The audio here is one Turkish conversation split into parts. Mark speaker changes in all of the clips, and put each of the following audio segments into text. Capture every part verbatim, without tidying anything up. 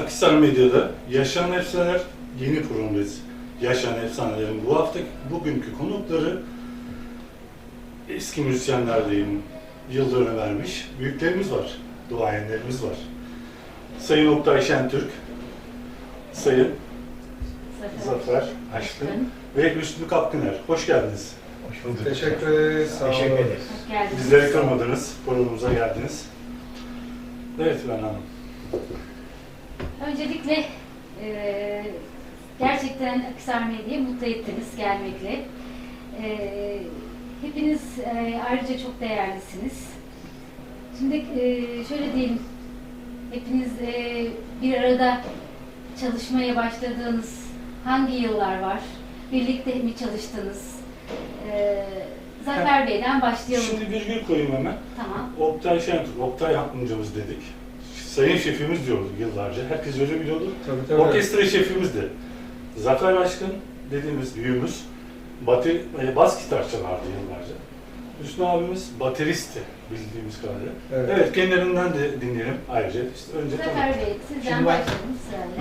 Speaker 1: Akhisar Medya'da Yaşayan Efsaneler yeni programdayız. Yaşayan Efsanelerin bu hafta bugünkü konukları eski müzisyenler diyeyim, yıllarını vermiş büyüklerimiz var, duayenlerimiz var. Sayın Oktay Şentürk, Sayın Zafer, Zafer Aşkın ve Hüsnü Kapkıner. Hoş geldiniz.
Speaker 2: Hoş bulduk.
Speaker 3: Teşekkür ederiz. Sağ olun.
Speaker 2: Teşekkür ederiz.
Speaker 4: Hoş geldiniz.
Speaker 1: Bizleri kırmadınız, programımıza geldiniz. Evet ben Hanım.
Speaker 4: Öncelikle e, gerçekten Akhisar Medya'yı mutlu ettiniz gelmekle. E, hepiniz e, ayrıca çok değerlisiniz. Şimdi e, şöyle diyelim, hepiniz e, bir arada çalışmaya başladığınız hangi yıllar var? Birlikte mi çalıştınız? E, Zafer Bey'den başlayalım.
Speaker 1: Şimdi virgül koyayım hemen.
Speaker 4: Tamam.
Speaker 1: Oktay Şentürk, Oktay amcamız dedik. Sayın şefimiz diyordu yıllarca. Herkes öyle biliyordu.
Speaker 3: Tabii, tabii.
Speaker 1: Orkestra şefimizdi. Zafer Aşkın dediğimiz büyüğümüz bateri, e, bas gitar çalardı yıllarca. Hüsnü abimiz bateristi bildiğimiz kadarıyla. Evet. evet, kendilerinden de dinleyelim ayrıca. İşte önce
Speaker 4: Zafer Bey, sizden
Speaker 2: Şimdi ben-
Speaker 4: başlayalım sırayla.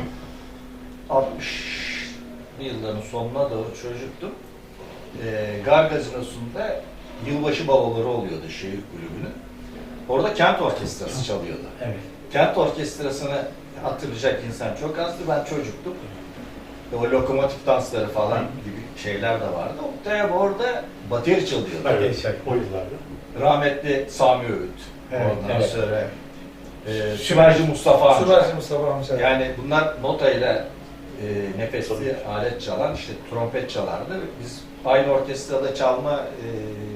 Speaker 2: altmışlı yılların sonuna doğru çocuktum. Ee, Gar Gazinosu'nda yılbaşı baloları oluyordu şehir kulübünün. Orada kent orkestrası çalıyordu.
Speaker 5: Evet.
Speaker 2: Kent orkestrasını hatırlayacak insan çok azdı. Ben çocuktum. O lokomotif dansları falan gibi şeyler de vardı. Oktay abi orada bateri çalıyordu.
Speaker 1: evet, o yıllarda.
Speaker 2: Rahmetli Sami Öğüt.
Speaker 5: Evet,
Speaker 2: Ondan
Speaker 5: evet.
Speaker 2: sonra e, Sümerci Mustafa amca.
Speaker 3: Sümerci Mustafa amca.
Speaker 2: Yani bunlar notayla e, nefesli alet çalan, işte trompet çalardı. Biz aynı orkestrada çalma e,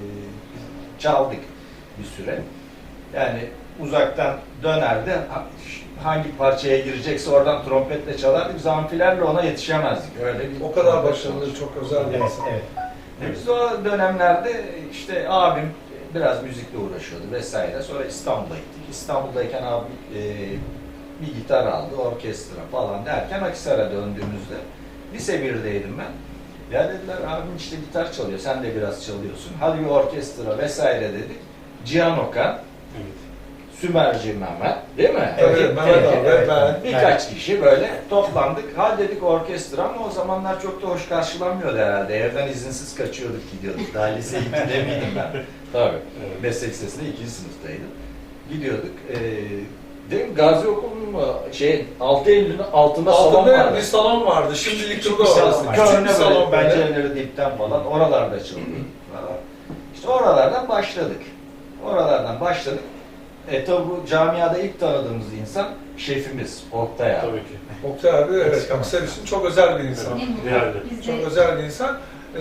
Speaker 2: çaldık bir süre. Yani uzaktan dönerdi, ha- hangi parçaya girecekse oradan trompetle çalardı. Biz amfilerle ona yetişemezdik. Öyle bir
Speaker 3: O kadar başarılı, çok özel bir
Speaker 5: Evet,
Speaker 3: insan.
Speaker 5: evet.
Speaker 2: e Biz o dönemlerde işte abim biraz müzikle uğraşıyordu vesaire. Sonra İstanbul'a gittik. İstanbul'dayken abim e, bir gitar aldı, orkestra falan derken Akhisar'a döndüğümüzde lise birdeydim ben. Ya dediler abim işte gitar çalıyor, sen de biraz çalıyorsun. Hadi bir orkestra vesaire dedik. Cihan Okan,
Speaker 1: Evet.
Speaker 2: Sümerci Mehmet, değil mi?
Speaker 3: Evet,
Speaker 5: Evet,
Speaker 3: Mehmet
Speaker 5: evet,
Speaker 3: abi,
Speaker 5: evet.
Speaker 3: ben.
Speaker 2: Birkaç kişi böyle toplandık. Hadi dedik orkestra ama o zamanlar çok da hoş karşılanmıyordu herhalde. Evden izinsiz kaçıyorduk gidiyorduk. Daha lise ikide miydim ben? Tabii.
Speaker 1: Evet.
Speaker 2: Meslek lisesinde ikinci sınıftaydım. Gidiyorduk. Ee, değil mi? Gazi Okulu'nun mu? Şey, altı Eylül'ün altında salon
Speaker 3: Altında
Speaker 2: vardı.
Speaker 3: bir salon vardı. Şimdilik
Speaker 2: Küçük
Speaker 3: burada
Speaker 2: bir salon.
Speaker 3: orası.
Speaker 2: Körüne
Speaker 3: Küçük bir
Speaker 2: böyle
Speaker 3: salon böyle.
Speaker 2: pencereleri dipten falan. Oralarda çalıyorduk falan. İşte oralardan başladık. Oralardan başladık. E tabi bu camiada ilk tanıdığımız insan şefimiz Oktay abi.
Speaker 1: Tabii ki.
Speaker 3: Oktay abi, evet, Akhisar için çok özel bir insan.
Speaker 4: Ne mutlu.
Speaker 1: Değerli.
Speaker 4: Biz de
Speaker 3: Çok özel bir insan. Ee,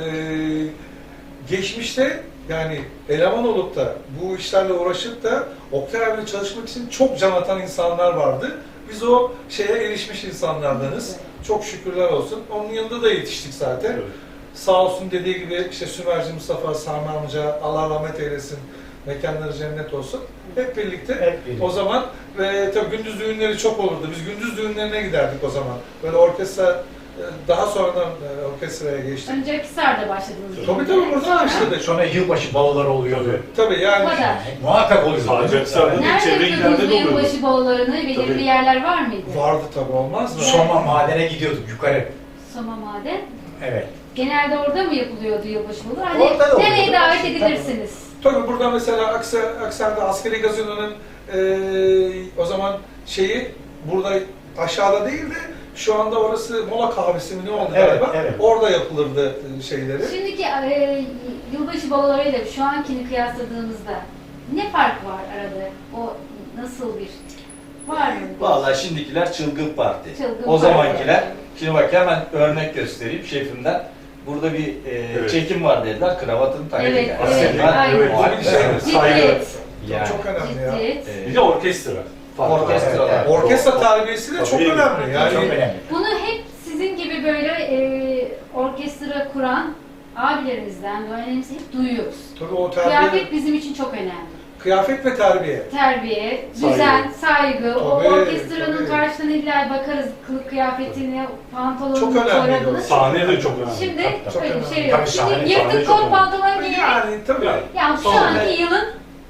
Speaker 3: geçmişte yani eleman olup da bu işlerle uğraşıp da Oktay abiyle çalışmak için çok can atan insanlar vardı. Biz o şeye erişmiş insanlardanız. Çok şükürler olsun. Onun yanında da yetiştik zaten.
Speaker 1: Evet.
Speaker 3: Sağ olsun dediği gibi işte Sümerci Mustafa, Sami amca, Allah rahmet eylesin, mekanları cennet olsun. Hep birlikte,
Speaker 5: Hep birlikte.
Speaker 3: o zaman ve tabii gündüz düğünleri çok olurdu. Biz gündüz düğünlerine giderdik o zaman. Böyle orkestra, e, daha sonradan e, orkestraya geçtik.
Speaker 4: önce Akhisar'da başladınız.
Speaker 3: Tabii tabii buradan başladık.
Speaker 5: Sonra yılbaşı baloları oluyordu.
Speaker 3: Tabii yani
Speaker 4: O kadar.
Speaker 5: Muhakkak oluyordu.
Speaker 1: Sadece Akhisar'da değil, çevre
Speaker 4: Nerede
Speaker 1: illerde
Speaker 4: yapıyordunuz
Speaker 1: de
Speaker 4: bu
Speaker 1: oluyordu.
Speaker 4: yılbaşı balolarını? Belirli
Speaker 1: Tabii.
Speaker 4: bir yerler var mıydı?
Speaker 3: vardı tabii, olmaz mı?
Speaker 5: Soma madene gidiyorduk yukarı.
Speaker 4: Soma Maden.
Speaker 5: Evet.
Speaker 4: Genelde orada mı yapılıyordu yılbaşı baloları? Hani
Speaker 5: Orada da
Speaker 4: nereye
Speaker 5: oluyordu.
Speaker 4: davet
Speaker 5: Tabii.
Speaker 4: edilirsiniz?
Speaker 3: Tabii burada mesela Aksa, Aksar'da askeri gazino'nun e, o zaman şeyi burada aşağıda değil de şu anda orası mola kahvesi mi ne oldu
Speaker 5: Evet,
Speaker 3: galiba?
Speaker 5: evet.
Speaker 3: Orada yapılırdı e, şeyleri.
Speaker 4: Şimdiki e, yılbaşı balolarıyla şu ankini kıyasladığımızda ne fark var arada? O nasıl bir var mı?
Speaker 2: Vallahi şimdikiler çılgın parti.
Speaker 4: Çılgın
Speaker 2: o
Speaker 4: parti.
Speaker 2: zamankiler, şimdi bak hemen örnek göstereyim şefimden. Burada bir e,
Speaker 1: Evet.
Speaker 2: çekim var dediler, kravatını taktı.
Speaker 4: Evet,
Speaker 2: yani.
Speaker 4: evet,
Speaker 2: Ben-
Speaker 4: aynen.
Speaker 1: Evet,
Speaker 3: Bu bir şey.
Speaker 1: saygı.
Speaker 4: Ciddiyet.
Speaker 2: Yani.
Speaker 3: Çok önemli ya.
Speaker 4: Ciddiyet.
Speaker 2: E,
Speaker 1: Bir de orkestra. Farklı.
Speaker 2: Orkestra.
Speaker 5: Evet,
Speaker 3: Orkestra terbiyesi de çok
Speaker 1: Tabii.
Speaker 3: önemli. Yani
Speaker 5: Çok önemli.
Speaker 4: Bunu hep sizin gibi böyle e, orkestra kuran abilerimizden, öğrencilerimizden hep duyuyoruz.
Speaker 3: tabii o terbiye,
Speaker 4: Kıyafet bizim için çok önemli.
Speaker 3: kıyafet ve terbiye.
Speaker 4: Terbiye,
Speaker 1: Saygı.
Speaker 4: düzen, saygı, o
Speaker 3: Tabii,
Speaker 4: orkestranın
Speaker 3: tabii.
Speaker 4: karşısına illa bakarız, kılık kıyafetine, pantolonuna,
Speaker 3: Çok önemli.
Speaker 4: çorabına.
Speaker 1: Sahne de çok önemli.
Speaker 4: Şimdi
Speaker 3: Çok
Speaker 4: öyle bir
Speaker 3: önemli.
Speaker 4: şey yok.
Speaker 5: Tabii sahne-
Speaker 4: Şimdi
Speaker 1: sahne
Speaker 4: yırtık
Speaker 1: çok
Speaker 4: kot
Speaker 1: önemli.
Speaker 4: pantolon giyerek,
Speaker 3: Yani tabii.
Speaker 1: Yani.
Speaker 4: yani şu
Speaker 2: Sonra-
Speaker 4: anki yılın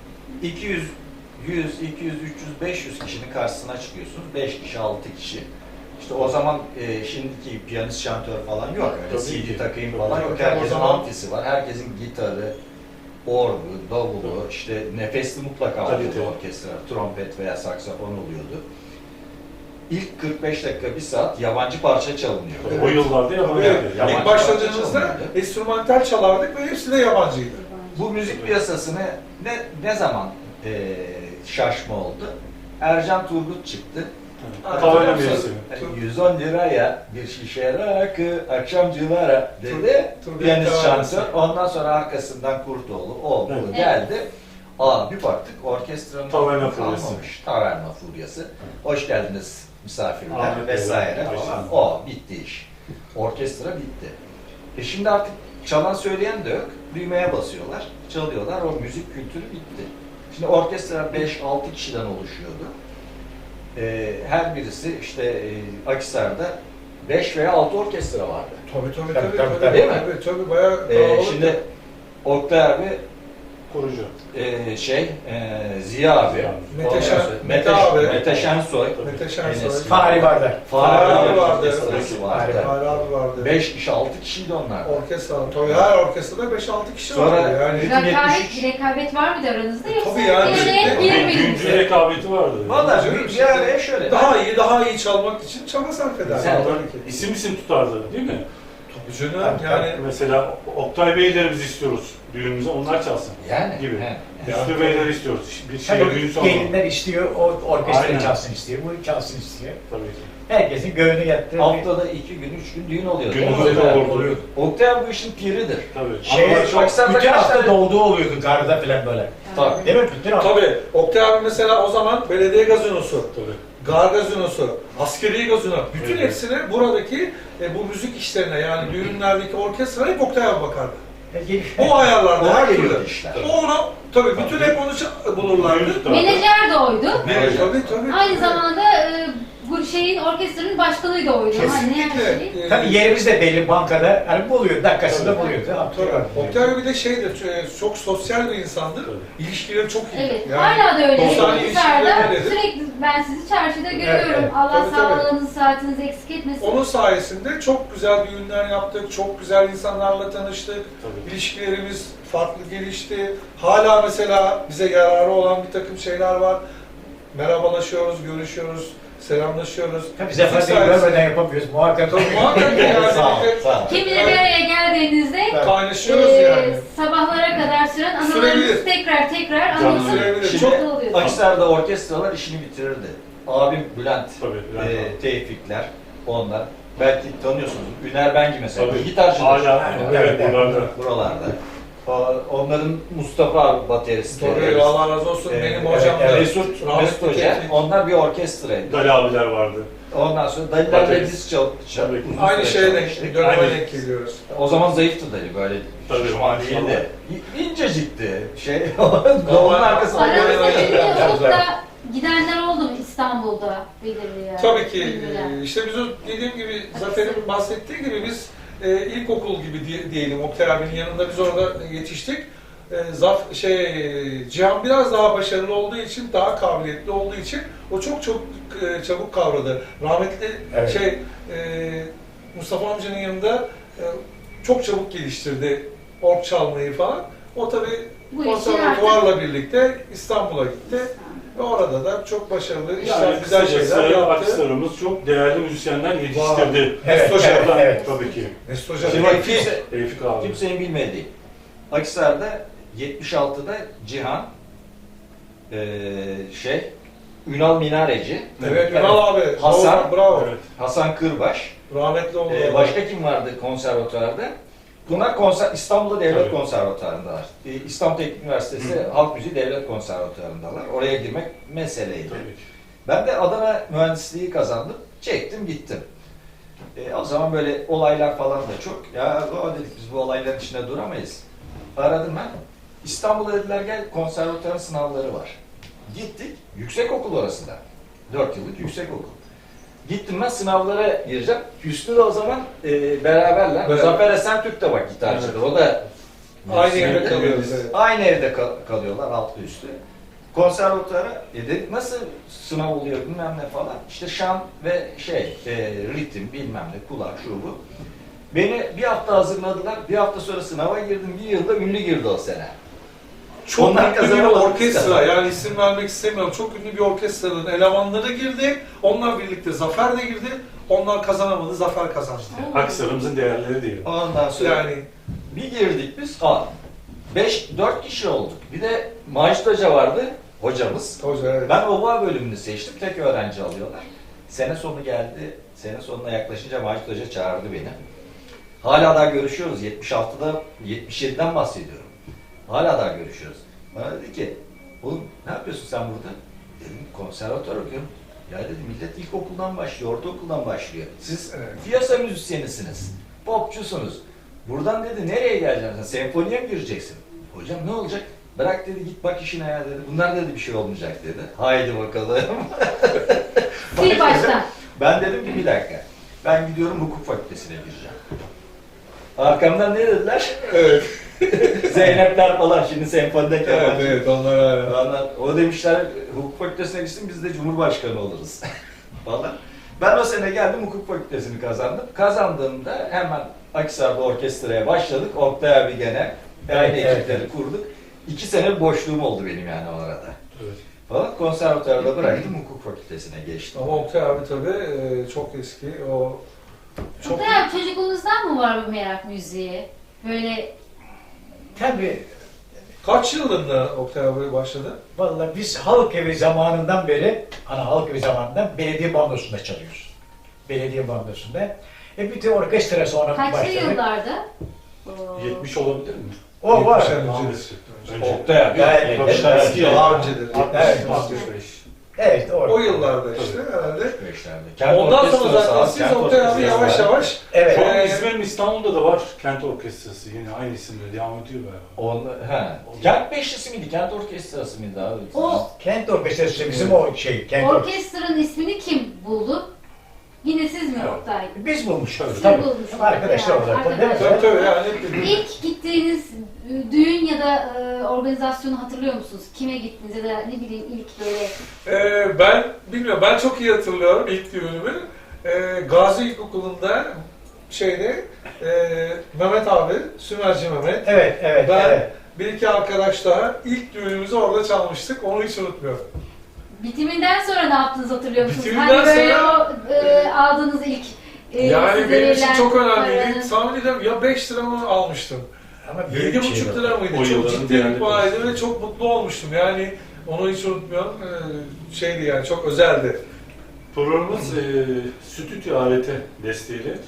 Speaker 2: iki yüz, yüz, iki yüz, üç yüz, beş yüz kişinin karşısına çıkıyorsunuz. beş kişi, altı kişi. İşte o zaman e, şimdiki piyanist, şantör falan yok. Öyle
Speaker 1: Tabii
Speaker 2: C D
Speaker 1: ki.
Speaker 2: takayım
Speaker 1: Tabii,
Speaker 2: falan
Speaker 3: tabii.
Speaker 2: yok.
Speaker 3: O
Speaker 2: Herkesin
Speaker 3: zaman-
Speaker 2: amfisi var. Herkesin gitarı, orgu, davulu, işte nefesli mutlaka oluyordu
Speaker 1: Kalite.
Speaker 2: orkestra. Trompet veya saksafon oluyordu. İlk kırk beş dakika, bir saat yabancı parça çalınıyor.
Speaker 3: Evet.
Speaker 1: O yıllarda
Speaker 3: Tabii,
Speaker 1: yabancı.
Speaker 2: Yabancı
Speaker 3: ilk başladığımızda
Speaker 2: parça çalınıyordu.
Speaker 3: enstrümantal çalardık ve hepsi de yabancıydı.
Speaker 2: Bu müzik piyasasına ne ne zaman e, şaşma oldu? Ercan Turgut çıktı.
Speaker 1: Tavana
Speaker 3: Tabii.
Speaker 1: mevsimi.
Speaker 2: Yani yüz on liraya bir şişe rakı akşamcılara dedi.
Speaker 3: Turgut
Speaker 2: Piyanist
Speaker 3: Tavanesi.
Speaker 2: şantör. Ondan sonra arkasından Kurtoğlu o bu
Speaker 1: Evet.
Speaker 2: geldi. Aa bir baktık orkestranın
Speaker 1: Taverna
Speaker 2: kalmamış.
Speaker 1: furyası.
Speaker 2: Taverna furyası. Hoş geldiniz misafirler
Speaker 1: Ahmet
Speaker 2: vesaire
Speaker 1: Beyler,
Speaker 2: falan.
Speaker 1: Ayşe.
Speaker 2: O bitti iş. Orkestra bitti. E şimdi artık çalan söyleyen de yok. Düğmeye basıyorlar, çalıyorlar. O müzik kültürü bitti. Şimdi orkestra beş altı kişiden oluşuyordu. Ee, her birisi işte e, Akhisar'da beş veya altı orkestra vardı.
Speaker 3: Tabii tabii
Speaker 5: Tabii,
Speaker 3: tabii.
Speaker 5: tabii,
Speaker 3: tabii,
Speaker 2: değil mi?
Speaker 3: Tabii tabii bayağı
Speaker 2: Ee,
Speaker 3: kalabalık.
Speaker 2: şimdi Oktay abi,
Speaker 1: Kurucu.
Speaker 2: e, şey, e, Ziya abi,
Speaker 1: Mete
Speaker 2: ondan
Speaker 3: Şen-
Speaker 2: sonra
Speaker 3: Mete
Speaker 2: Mete,
Speaker 3: abi.
Speaker 2: Mete Şensoy,
Speaker 3: Mete Şensoy.
Speaker 2: Enes
Speaker 5: Fahri Bardar.
Speaker 2: Fahri
Speaker 3: Fahri
Speaker 2: abi
Speaker 3: vardı.
Speaker 2: orkestrası vardı.
Speaker 3: Fahri abi vardı.
Speaker 2: beş kişi, altı kişiydi onlar.
Speaker 3: Orkestra. Tabii her orkestrada beş altı kişi
Speaker 2: Sonra-
Speaker 3: vardı yani.
Speaker 4: Rekabet,
Speaker 2: yetmiş üç.
Speaker 4: rekabet var mıydı aranızda yoksa
Speaker 3: Tabii yani
Speaker 4: bir araya
Speaker 3: işte-
Speaker 4: girmediniz
Speaker 1: Güncü
Speaker 4: mi?
Speaker 1: rekabeti vardı.
Speaker 2: Valla
Speaker 3: Canım,
Speaker 2: bir,
Speaker 3: şimdi
Speaker 2: bir araya şöyle.
Speaker 3: Daha iyi, daha iyi çalmak için çaba sarf eder.
Speaker 2: Güzel.
Speaker 3: Tabii ki.
Speaker 1: İsim isim tutardı değil mi?
Speaker 3: Tabii canım yani.
Speaker 1: Mesela Oktay Beyleri biz istiyoruz düğünümüze, onlar çalsın
Speaker 2: Yani.
Speaker 1: gibi.
Speaker 2: he.
Speaker 1: Üstü Beyleri istiyoruz. Bir şey
Speaker 5: Tabii
Speaker 1: düğün sonu.
Speaker 5: gelinler istiyor, o orkestra
Speaker 1: Aynen.
Speaker 5: çalsın istiyor, bu çalsın istiyor.
Speaker 1: Tabii ki.
Speaker 5: Herkesin göğünü yattı.
Speaker 2: Haftada iki gün, üç gün düğün oluyor.
Speaker 1: Gün
Speaker 2: Değil mi?
Speaker 1: oluyor,
Speaker 2: Oktay?
Speaker 1: oluyor.
Speaker 2: Oktay abi bu işin piridir.
Speaker 1: Tabii.
Speaker 5: Şey,
Speaker 1: Ama çok
Speaker 2: Akhisar'da
Speaker 5: bütün
Speaker 2: kaç
Speaker 5: hafta
Speaker 2: tane-
Speaker 5: dolduğu oluyordu garda falan böyle.
Speaker 2: Tabii.
Speaker 5: Değil mi? Bütün hafta.
Speaker 3: Tabii. Oktay abi mesela o zaman belediye gazinosu,
Speaker 1: tabii.
Speaker 3: gar gazinosu, askeri gazino, bütün
Speaker 1: Evet.
Speaker 3: hepsine buradaki e, bu müzik işlerine yani düğünlerdeki orkestraya hep Oktay abi bakardı.
Speaker 5: E, gel-
Speaker 3: O ayarlarda
Speaker 2: Ona
Speaker 3: her
Speaker 2: geliyordu
Speaker 3: türlü.
Speaker 2: işler.
Speaker 3: O ona tabii bütün hep onu ça- bulurlardı.
Speaker 1: Düğün tutardı.
Speaker 4: Menajer de oydu.
Speaker 3: Evet, tabii tabii.
Speaker 4: Aynı zamanda e, bu şeyin orkestranın başkanı da oydu. Hani ne her
Speaker 3: Kesinlikle.
Speaker 4: şey.
Speaker 3: e,
Speaker 5: Tabii yerimiz de belli bankada. Hani buluyor, dakikasında
Speaker 1: Tabii.
Speaker 5: buluyordu.
Speaker 3: Tabii.
Speaker 5: Hatırlıyorum.
Speaker 3: Oktay abi bir de şeydir, ç- çok sosyal bir insandır.
Speaker 1: Tabii.
Speaker 3: İlişkileri çok iyi.
Speaker 4: Evet,
Speaker 3: Yani
Speaker 4: hala da öyle.
Speaker 3: dostane
Speaker 4: Akhisar'da
Speaker 3: ilişkileri öyledir.
Speaker 4: sürekli ben sizi çarşıda görüyorum.
Speaker 5: evet.
Speaker 4: Allah
Speaker 3: Tabii, tabii.
Speaker 4: sağlığınızı, saatinizi eksik etmesin.
Speaker 3: Onun sayesinde çok güzel düğünler yaptık, çok güzel insanlarla tanıştık.
Speaker 1: Tabii.
Speaker 3: İlişkilerimiz farklı gelişti. Hala mesela bize yararı olan bir takım şeyler var. Merhabalaşıyoruz, görüşüyoruz, selamlaşıyoruz.
Speaker 5: Tabii
Speaker 3: Bizim
Speaker 5: Zafer Bey'i
Speaker 3: sayesinde-
Speaker 5: görmeden yapamıyoruz. Muhakkak.
Speaker 3: Tabii muhakkak yani.
Speaker 2: Sağ ol, sağ ol.
Speaker 4: Kim bilir bir araya geldiğinizde
Speaker 3: Kaynaşıyoruz
Speaker 4: e,
Speaker 3: yani.
Speaker 4: sabahlara kadar süren anılarınız
Speaker 3: Sürebilir.
Speaker 4: tekrar tekrar
Speaker 1: Canlı
Speaker 4: anlatıp
Speaker 3: sürebilir.
Speaker 2: Şimdi
Speaker 3: Çok-
Speaker 4: mutlu oluyorsunuz.
Speaker 2: Akhisar'da orkestralar işini bitirirdi. Abim Bülent,
Speaker 1: Tabii. Bülent
Speaker 2: e,
Speaker 1: abi.
Speaker 2: Tevfikler, onlar. Belki tanıyorsunuz. Üner Bengi mesela.
Speaker 1: Tabii.
Speaker 2: Gitarcıdır.
Speaker 1: Hala evet buralarda.
Speaker 2: Buralarda. O- Onların Mustafa abi bateristi.
Speaker 3: Tabii Allah razı olsun
Speaker 2: Ee,
Speaker 3: benim
Speaker 2: evet,
Speaker 3: hocam da.
Speaker 2: Mesut,
Speaker 3: rahmetli
Speaker 2: Mesut Hoca.
Speaker 3: Tevfik.
Speaker 2: Onlar bir orkestraydı.
Speaker 1: Dali abiler vardı.
Speaker 2: Ondan sonra Dalilerle
Speaker 1: Baterist.
Speaker 2: biz çal, çal,
Speaker 1: Tabii.
Speaker 2: uzun
Speaker 3: Aynı
Speaker 2: süre
Speaker 3: şeye denk,
Speaker 2: çalıştık.
Speaker 3: döneme
Speaker 1: Aynen.
Speaker 3: denk geliyoruz.
Speaker 2: O zaman zayıftı Dali böyle.
Speaker 1: Tabii,
Speaker 2: şişman
Speaker 1: maşallah.
Speaker 2: değildi. İ- İncecikti. Şey, onun arkasında
Speaker 4: Aranızda
Speaker 2: böyle-
Speaker 4: şimdi
Speaker 5: Biraz
Speaker 4: olup
Speaker 5: daha.
Speaker 4: da gidenler oldu mu İstanbul'da belirli yani?
Speaker 3: Tabii ki
Speaker 4: Bilmiyorum.
Speaker 3: e, işte biz o dediğim gibi Zafer'in bahsettiği gibi biz e, ilkokul gibi diye- diyelim Oktay abinin yanında biz orada yetiştik. E, Zaf şey e, Cihan biraz daha başarılı olduğu için, daha kabiliyetli olduğu için o çok çok e, çabuk kavradı. Rahmetli
Speaker 5: Evet.
Speaker 3: şey e, Mustafa amcanın yanında e, çok çabuk geliştirdi org çalmayı falan. O tabii
Speaker 4: Bu işin
Speaker 3: konservatuvarla birlikte İstanbul'a gitti. Ve orada da çok başarılı işler,
Speaker 1: Yani
Speaker 3: güzel
Speaker 1: kısacası
Speaker 3: şeyler yaptı.
Speaker 1: Akhisar'ımız çok değerli müzisyenler yetiştirdi.
Speaker 5: Evet,
Speaker 3: Mesut Hoca,
Speaker 5: evet, evet.
Speaker 1: Tabii ki.
Speaker 3: Mesut Hoca.
Speaker 2: Şimdi
Speaker 3: Tevfik-
Speaker 2: kimse,
Speaker 1: Tevfik abi.
Speaker 2: kimsenin bilmediği. Akhisar'da yetmiş altıda Cihan, eee şey, Ünal Minareci,
Speaker 3: Evet, Ünal abi.
Speaker 2: Hasan.
Speaker 3: Bravo, bravo.
Speaker 1: Evet.
Speaker 2: Hasan Kırbaş,
Speaker 3: Rahmetli oldu.
Speaker 2: eee, başka kim vardı konservatuvarda? Bunlar konser, İstanbul'da Devlet
Speaker 1: Tabii.
Speaker 2: Konservatuvarındalar. Ee, İstanbul Teknik Üniversitesi
Speaker 1: Hı.
Speaker 2: Halk Müziği Devlet Konservatuvarındalar. Oraya girmek meseleydi.
Speaker 1: Tabii ki.
Speaker 2: Ben de Adana mühendisliği kazandım. Çektim gittim. E, o zaman böyle olaylar falan da çok. Ya o dedik biz bu olayların içinde duramayız. Aradım ben. İstanbul'a dediler gel konservatuvarın sınavları var. Gittik. Yüksek okul orası da. Dört yıllık yüksek okul. Gittim ben sınavlara gireceğim. Hüsnü de o zaman e, beraberler.
Speaker 3: Evet.
Speaker 2: Zafer Esentürk de bak gitarcıdır.
Speaker 1: Evet.
Speaker 2: O da
Speaker 3: Aynı evde
Speaker 2: müzisyen.
Speaker 3: kalıyoruz. Evet.
Speaker 2: Aynı evde kal- kalıyorlar altlı üstü. konservatuara e dedik nasıl sınav oluyor bilmem ne falan. İşte şan ve şey e, ritim bilmem ne kulak şu bu. Beni bir hafta hazırladılar. Bir hafta sonra sınava girdim. Bir yılda ünlü girdi o sene.
Speaker 3: Çok
Speaker 2: Onlar
Speaker 3: ünlü bir
Speaker 2: kazanamadı,
Speaker 3: orkestra,
Speaker 2: biz kazandık.
Speaker 3: yani isim vermek istemiyorum. Çok ünlü bir orkestranın elemanları girdi. Onlar birlikte Zafer de girdi. Onlar kazanamadı, Zafer kazandı.
Speaker 1: Aksarımızın değerleri değil.
Speaker 2: Ondan sonra
Speaker 3: Yani
Speaker 2: bir girdik biz. Aa, beş, dört kişi olduk. Bir de Macit Hoca vardı. Hocamız.
Speaker 3: hoca evet.
Speaker 2: Ben oboa bölümünü seçtim. Tek öğrenci alıyorlar. Sene sonu geldi. Sene sonuna yaklaşınca Macit Hoca çağırdı beni. Hala daha görüşüyoruz. yetmiş altıda, yetmiş yediden bahsediyorum. Hala daha görüşüyoruz. Bana dedi ki, oğlum ne yapıyorsun sen burada? Dedim konservatuvar okuyorum. Ya dedi millet ilkokuldan başlıyor, ortaokuldan başlıyor. Siz
Speaker 3: Evet.
Speaker 2: piyasa müzisyenisiniz, popçusunuz. Buradan dedi nereye geleceksin? Senfoniye mi gireceksin? Hocam ne olacak? Bırak dedi git bak işine ya dedi. Bunlar dedi bir şey olmayacak dedi. Haydi bakalım.
Speaker 4: Sil baştan.
Speaker 2: Ben dedim ki bir dakika. Ben gidiyorum hukuk fakültesine gireceğim. Arkamdan ne dediler?
Speaker 3: Evet,
Speaker 2: Zeynepler falan şimdi senfonide
Speaker 3: evet,
Speaker 2: keman.
Speaker 3: evet, onlar hala.
Speaker 2: Onlar, o demişler hukuk fakültesine gitsin biz de cumhurbaşkanı oluruz falan. Ben o sene geldim hukuk fakültesini kazandım. Kazandığımda hemen Akhisar'da orkestraya başladık. Oktay abi gene aynı
Speaker 5: Evet, evet,
Speaker 2: ekipleri
Speaker 5: evet.
Speaker 2: kurduk. İki sene bir boşluğum oldu benim yani o arada.
Speaker 1: Evet.
Speaker 2: Falan konservatuarda bıraktım hukuk fakültesine geçtim.
Speaker 3: Ama Oktay abi tabii e, çok eski, o çok...
Speaker 4: Oktay abi çocukluğunuzdan mı var bu merak müziğe? Böyle
Speaker 5: Tabii.
Speaker 3: Kaç yılında Oktay abi başladı?
Speaker 5: Vallahi biz halk evi zamanından beri, ana halk evi zamanından belediye bandosunda çalıyoruz. Belediye bandosunda. E bir de orkestra sonra
Speaker 4: kaçlı
Speaker 5: başladık.
Speaker 4: yıllarda? Oo.
Speaker 1: yetmiş olabilir mi?
Speaker 5: O var.
Speaker 3: yetmiş
Speaker 1: Daha
Speaker 3: önce.
Speaker 1: eski. Önce.
Speaker 2: Oktay abi.
Speaker 5: Evet,
Speaker 1: Tabii,
Speaker 5: evet,
Speaker 1: tabii.
Speaker 5: evet.
Speaker 3: Daha öncedir.
Speaker 5: Evet,
Speaker 1: altmış beş.
Speaker 5: Evet, orada.
Speaker 3: O yıllarda işte herhalde.
Speaker 2: Kent
Speaker 3: Ondan sonra
Speaker 2: orkestrası
Speaker 3: zaten
Speaker 2: abi,
Speaker 3: siz
Speaker 2: kent
Speaker 3: Oktay abi
Speaker 2: orkestrası
Speaker 3: yavaş
Speaker 2: var.
Speaker 3: yavaş
Speaker 5: Evet.
Speaker 1: Şu an
Speaker 3: Ee,
Speaker 1: İzmir'in İstanbul'da da var Kent Orkestrası. Yine aynı isimle devam ediyor galiba.
Speaker 2: On, he. Kent Beşlisi miydi? Kent Orkestrası mıydı abi?
Speaker 4: O
Speaker 5: Kent orkestrası bizim o şey. Kent orkestrası.
Speaker 4: orkestranın ismini kim buldu? Yine siz mi
Speaker 1: Evet.
Speaker 4: Oktay?
Speaker 5: Biz bulmuşuz.
Speaker 1: Siz
Speaker 5: Tabii.
Speaker 4: bulmuşsunuz.
Speaker 5: Arkadaşlar
Speaker 4: Yani,
Speaker 5: olarak. da, değil mi?
Speaker 4: arkadaşlar.
Speaker 3: tabii tabii yani
Speaker 4: İlk gittiğiniz e, düğün ya da e, organizasyonu hatırlıyor musunuz? Kime gittiniz ya da ne bileyim ilk böyle
Speaker 3: Ee, ben bilmiyorum, ben çok iyi hatırlıyorum ilk düğünümü. Ee, Gazi İlkokulu'nda şeyde e, Mehmet abi, Sümerci Mehmet,
Speaker 5: Evet, evet,
Speaker 3: ben
Speaker 5: evet.
Speaker 3: bir iki arkadaş daha ilk düğünümüzü orada çalmıştık. Onu hiç unutmuyorum.
Speaker 4: bitiminden sonra ne yaptınız hatırlıyor musunuz?
Speaker 3: Bitiminden
Speaker 4: hani böyle
Speaker 3: sonra-
Speaker 4: o e, aldığınız ilk e,
Speaker 3: Yani
Speaker 4: size
Speaker 3: benim için
Speaker 4: verilen
Speaker 3: çok önemliydi.
Speaker 4: paranın-
Speaker 3: Tahmin ediyorum ya beş lira mı almıştım?
Speaker 5: Ama büyük
Speaker 3: Yedi
Speaker 5: bir şey
Speaker 3: buçuk
Speaker 5: var.
Speaker 3: lira mıydı?
Speaker 1: O
Speaker 3: Çok
Speaker 1: yılların
Speaker 3: ciddi
Speaker 1: değerli
Speaker 3: bir paraydı
Speaker 1: parası.
Speaker 3: ve çok mutlu olmuştum. Yani onu hiç unutmuyorum. Ee, şeydi yani çok özeldi.
Speaker 1: Programımız e, stüdyo aleti desteğiyle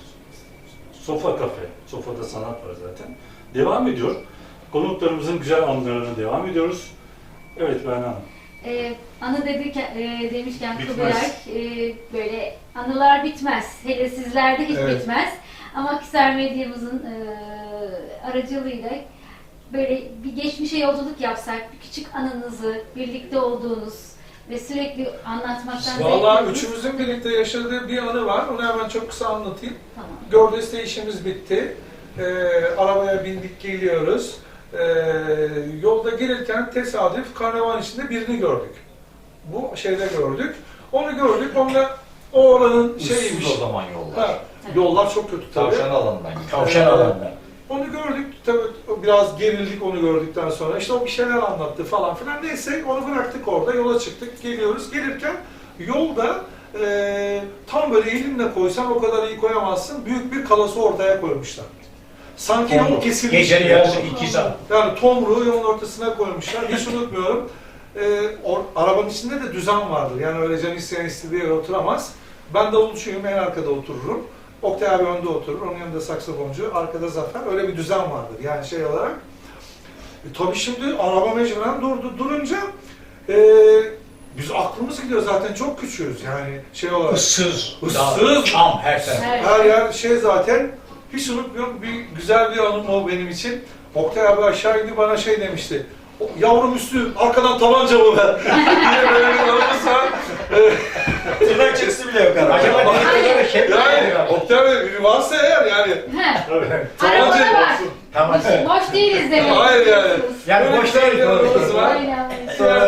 Speaker 1: Sofa Kafe, Sofada Sanat var zaten. Devam ediyor. Konuklarımızın güzel anılarına devam ediyoruz. Evet Berna Hanım.
Speaker 4: E, anı dedik, e, demişken
Speaker 1: Bitmez.
Speaker 4: Kubilay, e, böyle anılar bitmez. Hele sizlerde hiç
Speaker 3: Evet.
Speaker 4: bitmez. Ama Akhisar Medyamızın e, aracılığıyla böyle bir geçmişe yolculuk yapsak, bir küçük anınızı, birlikte olduğunuz ve sürekli anlatmaktan zevk
Speaker 3: Vallahi
Speaker 4: aldığınız-
Speaker 3: üçümüzün birlikte yaşadığı bir anı var. Onu hemen çok kısa anlatayım.
Speaker 4: Tamam.
Speaker 3: Gördeste işimiz bitti. Ee, arabaya bindik geliyoruz. Ee, yolda gelirken tesadüf karnavan içinde birini gördük. Bu şeyde gördük. Onu gördük. Onunla o oranın şeyiymiş.
Speaker 2: Şeymiş o zaman yollar.
Speaker 3: Ha, yollar çok kötü tabii.
Speaker 2: Tavşan alanından gidiyor.
Speaker 5: Tavşan
Speaker 3: Ee,
Speaker 5: alanında.
Speaker 3: Onu gördük. Tabii o biraz gerildik onu gördükten sonra. İşte o bir şeyler anlattı falan filan. Neyse onu bıraktık orada. Yola çıktık. Geliyoruz. Gelirken yolda e, tam böyle elinle koysan o kadar iyi koyamazsın. Büyük bir kalası ortaya koymuşlar. Sanki yol kesilmiş.
Speaker 5: Gecenin
Speaker 3: gibi.
Speaker 5: yarısı iki saat.
Speaker 3: Yani tomruğu yolun ortasına koymuşlar. Hiç unutmuyorum. Ee, or, arabanın içinde de düzen vardır. Yani öyle can isteyen istediği yere oturamaz. Ben davulcuyum, en arkada otururum. Oktay abi önde oturur, onun yanında saksafoncu, arkada Zafer. Öyle bir düzen vardır yani şey olarak. E, tabii şimdi araba mecburen durdu. Durunca e, biz aklımız gidiyor zaten çok küçüğüz yani şey olarak.
Speaker 5: Issız.
Speaker 3: Issız.
Speaker 5: Çam her taraf.
Speaker 4: Evet.
Speaker 3: Her yer şey zaten, hiç unutmuyorum, bir güzel bir anım o benim için. Oktay abi aşağı indi bana şey demişti. "O, yavrum üstü, arkadan tabanca mı ver?" diye böyle bir anımız var.
Speaker 2: Tırnak çıksı bile yok arada.
Speaker 5: Acaba ne kadar şey mi
Speaker 3: Yani
Speaker 5: yapıyor?
Speaker 3: Oktay Bey biri varsa eğer yani.
Speaker 4: He,
Speaker 1: Evet.
Speaker 4: arabada var.
Speaker 5: Tamam.
Speaker 4: Boş değiliz demek.
Speaker 3: Hayır yani.
Speaker 5: Yani
Speaker 3: Böyle
Speaker 5: boş
Speaker 3: güzel
Speaker 5: değil,
Speaker 3: bir anımız
Speaker 5: doğru.
Speaker 3: var.
Speaker 4: Aynen.
Speaker 2: Sonra
Speaker 3: Yani
Speaker 2: öğrendik
Speaker 3: onu- onu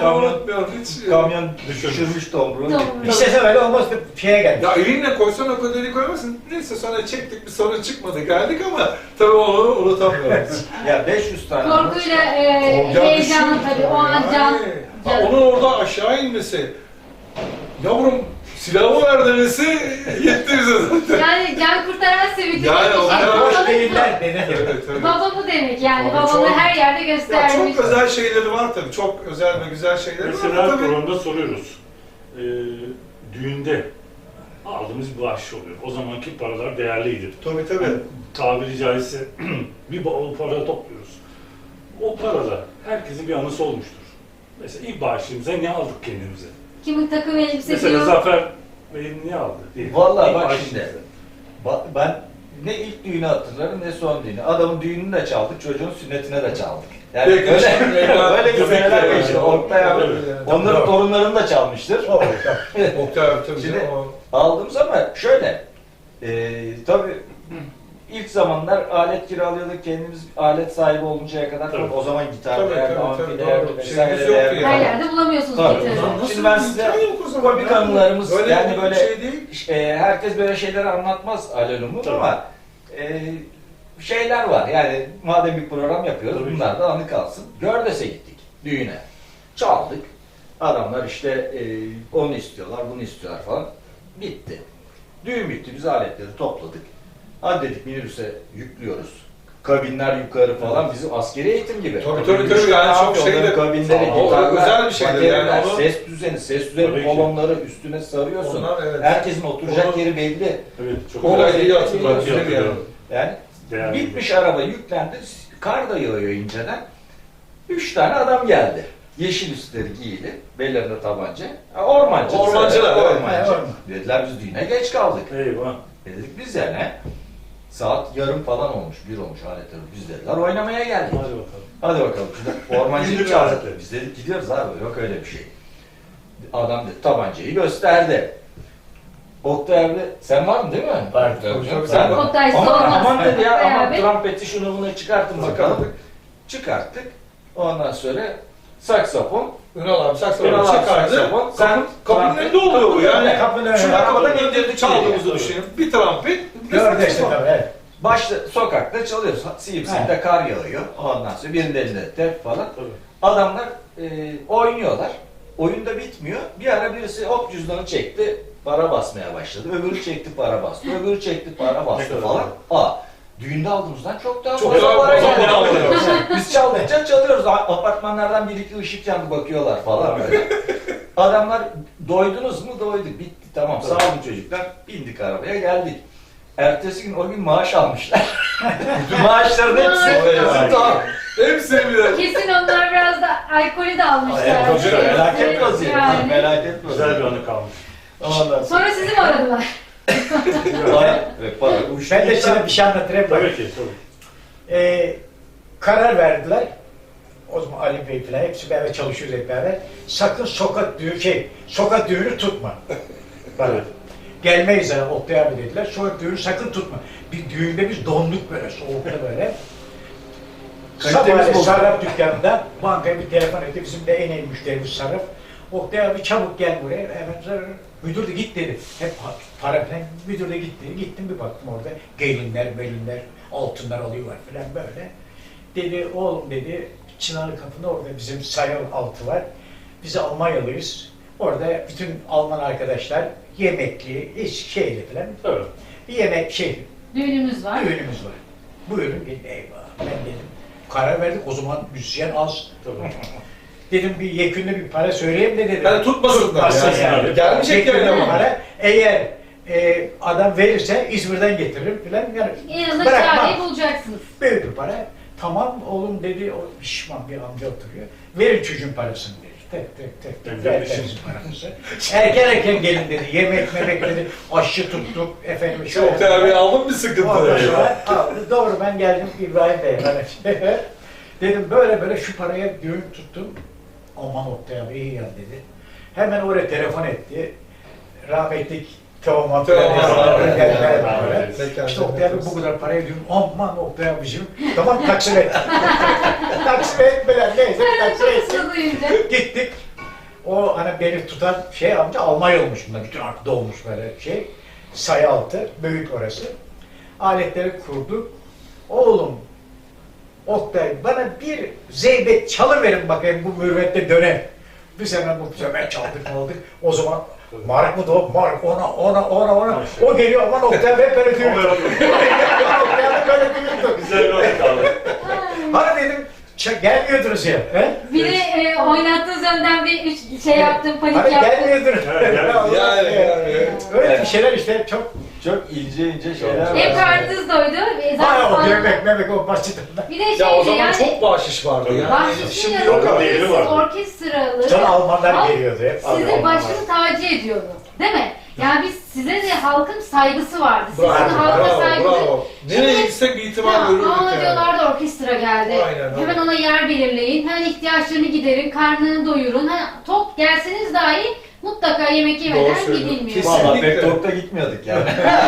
Speaker 2: kamyon-
Speaker 3: unutmuyorum hiç.
Speaker 2: Kamyon düşürmüş tomruğu.
Speaker 4: Tomruğu.
Speaker 5: İstese öyle olmaz bir şeye geldi.
Speaker 3: Ya elinle koysan o kadar eli koymasın. Neyse sonra çektik bir sorun çıkmadı geldik ama tabii onu unutamıyorum.
Speaker 2: Ya beş yüz tane.
Speaker 4: Korkuyla e,
Speaker 3: Ya
Speaker 4: heyecanlı
Speaker 3: düşün.
Speaker 4: tabii o an can.
Speaker 3: Yani. Ha, onun orada aşağı inmesi. Yavrum silahı ver demesi yetti bize zaten.
Speaker 4: Yani can kurtaran sevgi.
Speaker 3: Yani o
Speaker 5: Hani
Speaker 3: kadar-
Speaker 5: boş değiller dedi.
Speaker 3: Evet, evet.
Speaker 4: Baba bu demek yani.
Speaker 3: Abi
Speaker 4: Babamı
Speaker 3: çok-
Speaker 4: her yerde
Speaker 3: Ya
Speaker 4: göstermiş.
Speaker 3: çok özel şeyleri var tabii. Çok özel ve güzel şeyleri var.
Speaker 1: Mesela
Speaker 3: Tabii.
Speaker 1: programda soruyoruz. Ee, düğünde aldığımız bir bahşiş oluyor. O zamanki paralar değerliydi.
Speaker 3: Tabii tabii.
Speaker 1: Yani tabiri caizse bir bavul para topluyoruz. O parada herkesin bir anısı olmuştur. Mesela ilk bağışımıza ne aldık kendimize?
Speaker 4: Kimin takım elbise
Speaker 1: Mesela
Speaker 4: diyor.
Speaker 1: Zafer Bey ne aldı? Diye.
Speaker 2: Vallahi
Speaker 1: İlk
Speaker 2: bak
Speaker 1: bağışımıza.
Speaker 2: şimdi. Ba- Ben ne ilk düğünü hatırlarım ne son düğünü. Adamın düğününü de çaldık, çocuğun sünnetine de çaldık. Yani
Speaker 3: Peki,
Speaker 2: öyle,
Speaker 3: şimdi-
Speaker 2: öyle bir seneler
Speaker 3: Evet.
Speaker 2: geçti. Oktay abi,
Speaker 1: Evet.
Speaker 2: onların torunlarını da çalmıştır.
Speaker 5: O,
Speaker 3: Oktay abi tabii.
Speaker 2: Şimdi-
Speaker 3: canım, o-
Speaker 2: Aldığımız ama şöyle, e, tabii ilk zamanlar alet kiralıyorduk, kendimiz alet sahibi oluncaya kadar
Speaker 1: Tabii.
Speaker 2: o zaman gitar
Speaker 3: Tabii,
Speaker 2: değerli,
Speaker 3: tabii,
Speaker 2: amfi
Speaker 3: tabii,
Speaker 2: değerli
Speaker 3: doğru.
Speaker 2: vesaire
Speaker 3: Şeyimiz yoktu
Speaker 2: değerli.
Speaker 4: Her
Speaker 3: yani.
Speaker 4: yerde bulamıyorsunuz
Speaker 2: Tabii.
Speaker 4: gitarı.
Speaker 3: Lan nasıl
Speaker 2: Şimdi ben
Speaker 3: bir
Speaker 2: size
Speaker 3: imkan yok o zaman
Speaker 2: komik
Speaker 3: ya?
Speaker 2: anılarımız,
Speaker 3: Böyle
Speaker 2: yani
Speaker 3: bir
Speaker 2: böyle
Speaker 3: şey değil.
Speaker 2: e, herkes böyle şeyleri anlatmaz Alel Umut
Speaker 1: Tabii.
Speaker 2: ama e, şeyler var. Yani madem bir program yapıyoruz
Speaker 1: Tabii ki.
Speaker 2: bunlar da anı kalsın. Gördes'e gittik düğüne. Çaldık. Adamlar işte e, onu istiyorlar, bunu istiyorlar falan. Bitti. Düğün bitti. Biz aletleri topladık. Hadi dedik minibüse yüklüyoruz. Kabinler yukarı falan bizim askeri eğitim gibi.
Speaker 3: Tabii, tabii,
Speaker 2: Üç
Speaker 3: tabii.
Speaker 2: tane
Speaker 3: Yani çok
Speaker 2: afyonların
Speaker 3: şeyde-
Speaker 2: kabinleri,
Speaker 3: O
Speaker 2: gitarlar,
Speaker 3: özel bir şeydir yani.
Speaker 2: bateriler,
Speaker 3: Onu-
Speaker 2: ses düzeni, ses
Speaker 1: Tabii
Speaker 2: düzeni
Speaker 1: ki.
Speaker 2: kolonları üstüne sarıyorsun.
Speaker 3: Onlar evet.
Speaker 2: Herkesin oturacak
Speaker 3: Onu-
Speaker 2: yeri belli.
Speaker 1: Evet, çok
Speaker 3: O da
Speaker 1: güzel.
Speaker 3: iyi hatırlar.
Speaker 1: Çok iyi hatırlıyorum.
Speaker 2: Yani
Speaker 1: Değerli.
Speaker 2: bitmiş araba yüklendi, kar da yağıyor inceden. Üç tane adam geldi. Yeşil üstleri giyili, bellerinde tabanca. Ha, Ormancı.
Speaker 3: Ormancılar, evet.
Speaker 2: Ormancı.
Speaker 5: Orman.
Speaker 2: Dediler biz düğüne geç kaldık.
Speaker 1: Eyvah.
Speaker 2: Dedik biz de ne? Saat yarım falan olmuş, bir olmuş aletler. Biz dediler oynamaya geldik.
Speaker 1: Hadi bakalım.
Speaker 2: Hadi bakalım. Şimdi ormancıyı
Speaker 1: İndir
Speaker 2: çağırdık.
Speaker 1: aletleri.
Speaker 2: Biz dedik gidiyoruz abi, yok öyle bir şey. Adam dedi, tabancayı gösterdi. Oktay abi, sen var mı değil mi?
Speaker 5: Var.
Speaker 2: Tabii canım,
Speaker 3: Tabii,
Speaker 2: sen
Speaker 3: tabii.
Speaker 4: Oktay
Speaker 2: Aman,
Speaker 4: olmaz.
Speaker 2: aman dedi ya, aman
Speaker 4: Beraber.
Speaker 2: trompeti şunu bunu çıkartın bakalım.
Speaker 3: Çıkarttık.
Speaker 2: Çıkarttık. Ondan sonra saksafon.
Speaker 3: Ünal abi saksafonu
Speaker 2: Ünal abi
Speaker 3: çıkardı.
Speaker 2: saksafon.
Speaker 3: Sen
Speaker 2: Sen
Speaker 3: kapının önünde oluyor bu yani.
Speaker 5: Kapının önünde.
Speaker 3: Şurada
Speaker 2: Arabadan
Speaker 3: kapının
Speaker 2: indirdik
Speaker 3: önünde çaldığımızı
Speaker 2: yani.
Speaker 3: düşünün. Bir trompet, bir
Speaker 5: Gördü işte
Speaker 3: saksafon.
Speaker 5: tabii. Evet.
Speaker 2: Başta sokakta çalıyoruz. Siyip siyip de kar yağıyor. Ondan sonra birinin elinde tep falan.
Speaker 1: Tabii.
Speaker 2: Adamlar e, oynuyorlar. Oyun da bitmiyor. Bir ara birisi hop cüzdanı çekti. Para basmaya başladı. Öbürü çekti para bastı. Öbürü çekti para
Speaker 1: Ne
Speaker 2: bastı
Speaker 1: kadar
Speaker 2: falan.
Speaker 1: güzel.
Speaker 2: Aa, düğünde aldığımızdan çok daha
Speaker 3: Çok
Speaker 2: fazla
Speaker 3: daha
Speaker 2: para
Speaker 3: fazla
Speaker 2: geldi.
Speaker 3: para alıyor.
Speaker 2: Biz çaldıkça çalıyoruz. A- Apartmanlardan bir iki ışık yandı bakıyorlar falan böyle. Adamlar doydunuz mu? Doyduk. Bitti tamam. Sağ olun çocuklar. Bindik arabaya geldik. Ertesi gün o gün maaş almışlar. Bütün maaşların hepsi
Speaker 3: Vay
Speaker 2: bizim
Speaker 3: vay.
Speaker 2: tamam.
Speaker 3: Hepsini bir de.
Speaker 4: Kesin onlar biraz da alkolü de almışlar.
Speaker 2: Evet,
Speaker 1: çok güzel.
Speaker 2: Felaket vaziyet.
Speaker 4: Yani.
Speaker 2: Felaket
Speaker 1: Güzel bir
Speaker 2: vaziyet.
Speaker 1: anı kalmış.
Speaker 2: Ondan sonra.
Speaker 4: Sonra sizi mi aradılar?
Speaker 2: Para, evet, para. Uyuştu
Speaker 5: Ben de
Speaker 2: gitti.
Speaker 5: size bir şey anlatayım.
Speaker 1: Tabii ki, tabii.
Speaker 5: Ee, karar verdiler. O zaman Ali Bey falan hepsi beraber çalışıyoruz hep beraber. Sakın sokak düğünü şey, sokak düğünü tutma. Bana.
Speaker 1: Evet.
Speaker 5: Gelmeyiz yani Oktay abi dediler. Sokak düğünü sakın tutma. Bir düğünde biz donduk böyle soğukta böyle.
Speaker 2: Kalitemiz
Speaker 5: Sabahleyin
Speaker 2: bozuldu.
Speaker 5: sarraf dükkanında bankaya bir telefon etti. Bizim de en iyi müşterimiz sarraf. Oktay abi çabuk gel buraya. Hemen zar- müdür de git dedi. Hep pa- para falan. Müdür de gitti. Gittim bir baktım orada. Gelinler, melinler, altınlar alıyorlar falan böyle. Dedi oğlum dedi Çınarlı Kapı'nda orada bizim sayal altı var. Biz Almanyalıyız. Orada bütün Alman arkadaşlar yemekli, iş şeyli falan.
Speaker 1: Tabii.
Speaker 5: Bir yemek şey,
Speaker 4: Düğünümüz var.
Speaker 5: düğünümüz var. Buyurun gelin eyvah. Ben dedim. Karar verdik o zaman müzisyen az.
Speaker 1: Tabii.
Speaker 5: Dedim bir yekünlü bir para söyleyeyim de dedim.
Speaker 3: Yani tutmasınlar
Speaker 5: Tutmasın
Speaker 3: yani.
Speaker 5: yani.
Speaker 3: Gelmeyecek
Speaker 5: Yekünlü
Speaker 3: yani
Speaker 5: bir
Speaker 3: ama.
Speaker 5: para. Eğer e, adam verirse İzmir'den getiririm filan. Yani
Speaker 4: En azından
Speaker 5: bırakmam.
Speaker 4: çareyi bulacaksınız.
Speaker 5: Büyük bir para. Tamam oğlum dedi, o pişman bir amca oturuyor. Verin çocuğun parasını dedi. Tek tek tek tek
Speaker 1: Ben
Speaker 5: ver
Speaker 1: de
Speaker 5: bizim
Speaker 1: işim.
Speaker 5: paramızı. Erken erken gelin dedi. Yemek memek dedi. Aşçı tuttuk. Efendim şöyle.
Speaker 3: Oktay abi aldın bir sıkıntı.
Speaker 5: Ondan sonra aldı. Doğru ben geldim İbrahim Bey'e. Ben dedim böyle böyle şu paraya düğün tuttum. Aman Oktay abi iyi ya dedi. Hemen oraya telefon etti. Rahmetlik Teoman.
Speaker 3: Teoman,
Speaker 5: Teoman.
Speaker 1: evet.
Speaker 5: İşte Oktay abi bu kadar paraya diyorum. Aman Oktay abicim. Tamam taksim et. taksim etmeler neyse taksim etsin.
Speaker 4: Sırasını duyunca.
Speaker 5: Gittik. O hani beni tutan şey amca Almanya olmuş bunda. Bütün aklı olmuş böyle şey. Sayı altı. Büyük orası. Aletleri kurduk. Oğlum Oktay bana bir zeybek çalıverin bakayım bu mürvette dönem. Bir sene bu sefer çaldık aldık. O zaman Mark mı doğup Mark ona ona ona ona. O geliyor aman Oktay hep böyle diyor. Oktay böyle diyordu.
Speaker 1: Güzel bir vakit aldık.
Speaker 5: Hani dedim "Ç- gelmiyordunuz ya. He?
Speaker 4: Bir de e, oynattığınız önden bir üç şey yaptım, panik
Speaker 5: Hani
Speaker 4: yaptım.
Speaker 5: gelmiyordunuz.
Speaker 1: Evet, yani-
Speaker 3: Yani, yani.
Speaker 2: Evet.
Speaker 5: Öyle bir şeyler işte çok.
Speaker 2: Çok ince ince şeyler var.
Speaker 4: Hep karnınız doydu. E, zaten
Speaker 5: Aa o
Speaker 4: sonra-
Speaker 5: yemek memek o basit.
Speaker 4: Bir de
Speaker 3: Ya o
Speaker 4: şeydi
Speaker 3: zaman
Speaker 4: yani.
Speaker 3: çok bahşiş vardı yani.
Speaker 4: Bahşişin
Speaker 3: Şimdi
Speaker 4: yanında
Speaker 3: yok
Speaker 1: Yok
Speaker 3: abi.
Speaker 1: değeri
Speaker 4: siz
Speaker 1: vardı.
Speaker 4: orkestralı.
Speaker 5: Sonra Almanlar
Speaker 4: Halk
Speaker 5: geliyordu hep.
Speaker 4: Sizi
Speaker 1: Almanlar.
Speaker 4: başını tacı ediyordu. Değil mi? Yani biz size de halkın saygısı vardı. Sizin
Speaker 3: Bravo,
Speaker 4: halka
Speaker 3: bravo,
Speaker 4: saygısı.
Speaker 3: bravo. Nereye gitsek bir itibar görürdük
Speaker 4: Aa
Speaker 3: yani.
Speaker 4: diyorlardı orkestra geldi.
Speaker 3: Aynen,
Speaker 4: Hemen
Speaker 3: aynen.
Speaker 4: ona yer belirleyin. Hemen ihtiyaçlarını giderin, karnını doyurun. Ha, tok gelseniz dahi mutlaka yemek
Speaker 3: Doğru
Speaker 4: yemeden
Speaker 3: söylüyorsun.
Speaker 4: gidilmiyor.
Speaker 3: Kesin.
Speaker 2: Valla
Speaker 3: Kesinlikle.
Speaker 2: pek tokta gitmiyorduk yani.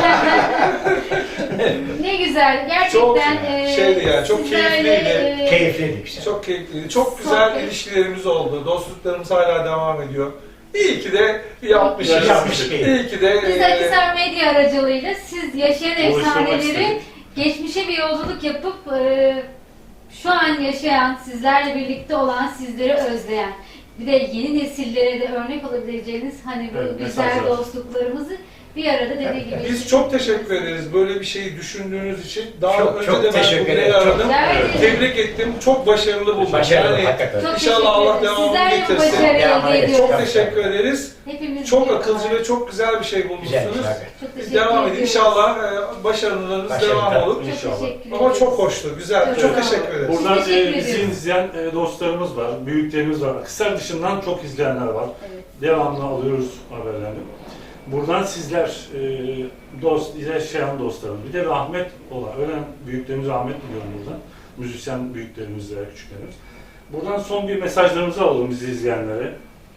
Speaker 4: Ne güzel.
Speaker 3: Çok
Speaker 4: Gerçekten e,
Speaker 3: şeydi yani, çok
Speaker 4: sizlerle,
Speaker 3: keyifliydi.
Speaker 4: e,
Speaker 5: Keyifliydi işte.
Speaker 3: Çok keyifli. Çok güzel
Speaker 4: Sohbet.
Speaker 3: ilişkilerimiz oldu. Dostluklarımız hala devam ediyor. İyi ki de yapmışız.
Speaker 5: Yapmış ki.
Speaker 3: İyi ki de
Speaker 4: Biz
Speaker 3: e,
Speaker 4: Akhisar Medya aracılığıyla siz yaşayan
Speaker 1: Buluşturmak
Speaker 4: efsaneleri
Speaker 1: istedik.
Speaker 4: geçmişe bir yolculuk yapıp e, şu an yaşayan, sizlerle birlikte olan, sizleri özleyen, bir de yeni nesillere de örnek olabileceğiniz hani bu
Speaker 1: Evet,
Speaker 4: güzel
Speaker 1: mesajlar.
Speaker 4: dostluklarımızı bir arada dediği gibi.
Speaker 3: biz çok teşekkür ederiz böyle bir şeyi düşündüğünüz için. Daha
Speaker 5: Çok,
Speaker 3: önce
Speaker 5: çok
Speaker 3: de ben
Speaker 5: teşekkür
Speaker 3: bugüne
Speaker 5: ederim. Çok-
Speaker 3: aradım.
Speaker 4: Evet.
Speaker 3: Tebrik ettim. Çok başarılı buldum.
Speaker 5: Başarılı
Speaker 3: Yani
Speaker 5: hakikaten.
Speaker 4: Çok
Speaker 3: İnşallah
Speaker 4: teşekkür
Speaker 3: Allah
Speaker 4: ederiz.
Speaker 3: devamını
Speaker 4: Sizler de bu
Speaker 3: getirsin.
Speaker 4: başarıyı
Speaker 5: Devamını
Speaker 4: elde
Speaker 5: getirsin.
Speaker 3: Çok
Speaker 4: ediyoruz.
Speaker 3: teşekkür ederiz.
Speaker 4: Hepimiz
Speaker 3: Çok
Speaker 4: biliyoruz.
Speaker 3: akılcı ve çok güzel bir şey
Speaker 5: Güzel,
Speaker 3: bulmuşsunuz.
Speaker 5: güzel.
Speaker 4: Çok
Speaker 3: Biz
Speaker 4: teşekkür
Speaker 3: devam edin.
Speaker 4: ediyoruz.
Speaker 3: İnşallah e, başarılarınız
Speaker 5: Başarılı.
Speaker 3: devam olur.
Speaker 4: Çok
Speaker 1: İnşallah.
Speaker 4: teşekkür
Speaker 3: Ama
Speaker 4: ederiz.
Speaker 3: çok hoştu, güzel.
Speaker 4: Çok
Speaker 3: Çok,
Speaker 4: sağ olun.
Speaker 3: teşekkür ederiz.
Speaker 1: Buradan
Speaker 4: Teşekkür
Speaker 1: e, bizi
Speaker 4: ediyoruz.
Speaker 1: izleyen e, dostlarımız var, büyüklerimiz var. Akhisar dışından çok izleyenler var.
Speaker 4: Evet.
Speaker 1: Devamlı alıyoruz haberlerini. Buradan sizler, e, dost, yaşayan dostlarım, bir de rahmet olan, ölen büyüklerimiz rahmet diliyorum buradan. Müzisyen büyüklerimiz ve küçüklerimiz. Buradan son bir mesajlarımızı alalım bizi izleyenlere.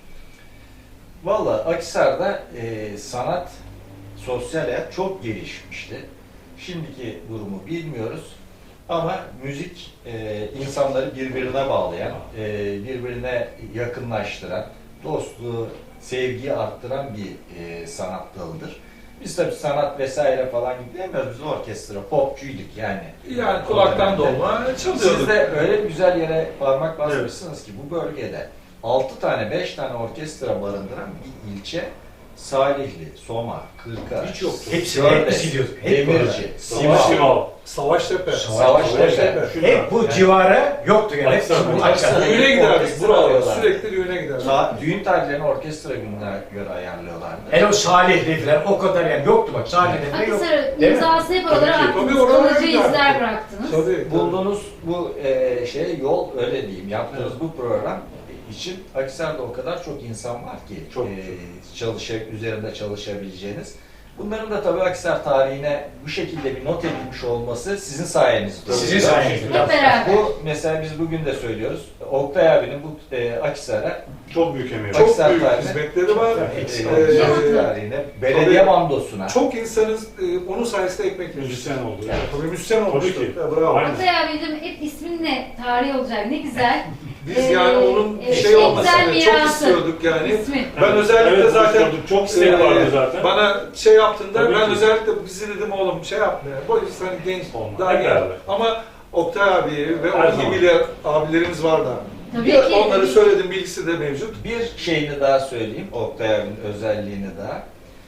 Speaker 2: Valla Akhisar'da e, sanat, sosyal hayat çok gelişmişti. Şimdiki durumu bilmiyoruz. Ama müzik e, insanları birbirine bağlayan, e, birbirine yakınlaştıran, dostluğu, sevgiyi arttıran bir e, sanat dalıdır. Biz tabii sanat vesaire falan gibi demiyoruz. Biz orkestra, popçuyduk yani.
Speaker 3: Yani kulaktan dolma çalıyorduk.
Speaker 2: Siz de öyle güzel yere parmak basmışsınız ki bu bölgede altı tane, beş tane orkestra barındıran bir ilçe Salihli, Soma, Kırka,
Speaker 3: Hiç yoktu.
Speaker 5: Hepsi
Speaker 2: Gördes,
Speaker 5: hep gidiyorduk. Hep
Speaker 2: Demirci,
Speaker 1: Savaş
Speaker 2: Simav.
Speaker 1: Simav.
Speaker 3: Savaştepe.
Speaker 2: Savaştepe.
Speaker 5: Hep bu civara yoktu yani. Hep
Speaker 1: Akhisar,
Speaker 5: bu
Speaker 2: Akhisar.
Speaker 5: Akhisar.
Speaker 3: Düğüne giderdik
Speaker 2: Orkestra
Speaker 3: buralara.
Speaker 2: arıyorlar.
Speaker 3: Sürekli düğüne giderdik.
Speaker 2: Ta- düğün tarihlerini orkestra gününe göre ayarlıyorlardı.
Speaker 5: Hele o Salihli falan o kadar yani yoktu bak Salihli'de de yok.
Speaker 4: Akhisar'ın
Speaker 5: Değil mi?
Speaker 4: imzasını hep
Speaker 3: Tabii
Speaker 4: oralara
Speaker 3: ki.
Speaker 4: attınız.
Speaker 3: Tabii oralara
Speaker 4: Kalıcı
Speaker 3: giderdik.
Speaker 4: izler bıraktınız.
Speaker 3: Tabii. tabii.
Speaker 2: Bulduğunuz bu e, şey yol öyle diyeyim. Yaptığınız bu program için Akhisar'da o kadar çok insan var ki
Speaker 1: Çok,
Speaker 2: e, çalışa, üzerinde çalışabileceğiniz. Bunların da tabii Akhisar tarihine bu şekilde bir not edilmiş olması sizin sayenizde.
Speaker 5: Sizin
Speaker 2: oluyor.
Speaker 5: sayenizde.
Speaker 4: Hep beraber.
Speaker 2: Bu mesela biz bugün de söylüyoruz. Oktay abinin bu e, Akhisar'a
Speaker 1: Çok büyük emeği var.
Speaker 3: Çok
Speaker 2: Akhisar
Speaker 3: büyük
Speaker 2: tarihine-
Speaker 3: hizmetleri var.
Speaker 2: e,
Speaker 5: Eksik
Speaker 3: Ee,
Speaker 5: olmuş.
Speaker 2: Akhisar tarihine, belediye
Speaker 3: tabii.
Speaker 2: mandosuna.
Speaker 3: Çok insanız e, onun sayesinde ekmek yiyoruz.
Speaker 1: Müzisyen oldu.
Speaker 2: Evet.
Speaker 3: Tabii müzisyen
Speaker 1: Tabii
Speaker 3: olmuştu.
Speaker 1: ki.
Speaker 3: Ya, bravo.
Speaker 1: Aynen.
Speaker 4: Oktay abicim hep isminle tarih olacak. Ne güzel.
Speaker 3: Biz
Speaker 4: Ee,
Speaker 3: yani onun
Speaker 4: e,
Speaker 3: şey
Speaker 4: en
Speaker 3: olmasını
Speaker 4: güzel
Speaker 3: çok
Speaker 4: mirası.
Speaker 3: istiyorduk yani.
Speaker 4: İsmi.
Speaker 3: Ben özellikle
Speaker 1: evet,
Speaker 3: zaten
Speaker 1: buluşturduk. Çok isteği
Speaker 3: e,
Speaker 1: vardı zaten.
Speaker 3: Bana şey yaptığında
Speaker 1: Tabii
Speaker 3: ben
Speaker 1: ki.
Speaker 3: özellikle bizi dedim oğlum şey yapma ya. Bu insan genç
Speaker 1: Olmaz.
Speaker 3: daha
Speaker 1: Hep
Speaker 3: genç.
Speaker 1: beraber.
Speaker 3: Ama Oktay abi ve
Speaker 1: Her
Speaker 3: onun
Speaker 1: zaman.
Speaker 3: gibi abilerimiz var da.
Speaker 4: Tabii
Speaker 3: Bir-
Speaker 4: ki.
Speaker 3: Onları söyledim, bilgisi de mevcut.
Speaker 2: Bir şeyini daha söyleyeyim, Oktay abinin özelliğini daha.